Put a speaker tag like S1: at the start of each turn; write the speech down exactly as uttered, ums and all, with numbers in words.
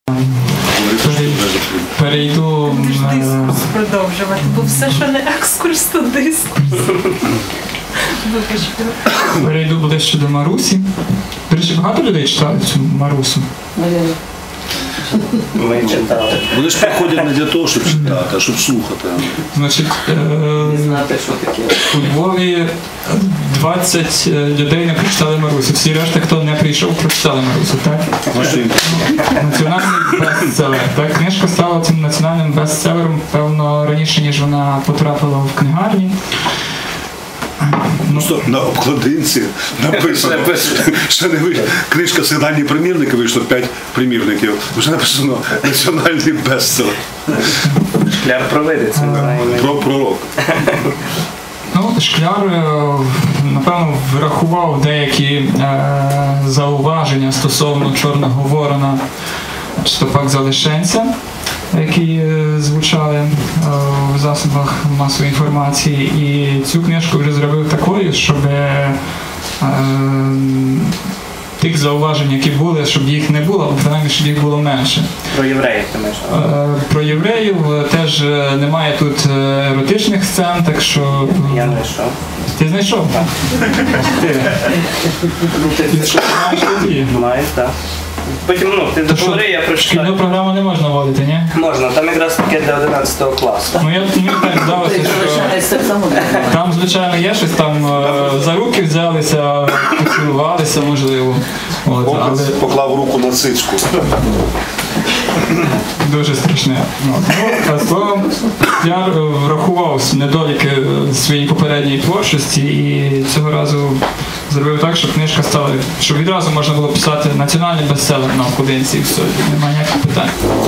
S1: Перейду...
S2: Будеш дискурс продовжувати, бо все, що не екскурс, то дискурс.
S1: Перейду ближче до Марусі. До речі, багато людей читали цю Марусу?
S3: Ми читали.
S4: Вони ж приходять не для того, щоб читати, а щоб слухати.
S1: Значить,
S3: Не знати, що таке.
S1: у Львові двадцять людей не прочитали Марусю. Всі решта, хто не прийшов, прочитали Марусю, так? Національний бестселер. Так? Книжка стала цим національним бестселером, певно, раніше, ніж вона потрапила в книгарні.
S4: Ну, стоп, на обкладинці написано, що не вийшло. Книжка «Сигнальні примірники», вийшло п'ять примірників. Вже написано «Національний бестселер».
S3: Шкляр провидиться.
S4: Про пророк.
S1: Ну, Шкляр, напевно, врахував деякі е, зауваження стосовно Чорного Ворона чи то пак Залишенця, які е, звучали е, в засобах масової інформації. І цю книжку вже зробив такою, щоб е, тих зауважень, які були, щоб їх не було, або принаймні, щоб їх було менше.
S3: Про євреїв ти маєш?
S1: Про євреїв теж немає тут еротичних сцен, так що...
S3: Я знайшов.
S1: Ти знайшов?
S3: Так.
S1: Ти що, знаєш тоді?
S3: Маю, так. Потім, ну, ти договори, я
S1: Шкільну
S3: прочитаю.
S1: програму не можна вводити, ні?
S3: Можна, там якраз таке для одинадцятого класу.
S1: Ну, я, мені так здалося, що там, звичайно, є щось, там е, за руки взялися, поцілувалися, можливо. От, але...
S4: Поклав руку на цицьку.
S1: Дуже страшне. От. Ну, а словом, я врахував недоліки своєї попередньої творчості і цього разу зробив так, щоб книжка стала, щоб відразу можна було писати національний бестселер на обкладинці і все, немає ніяких питань.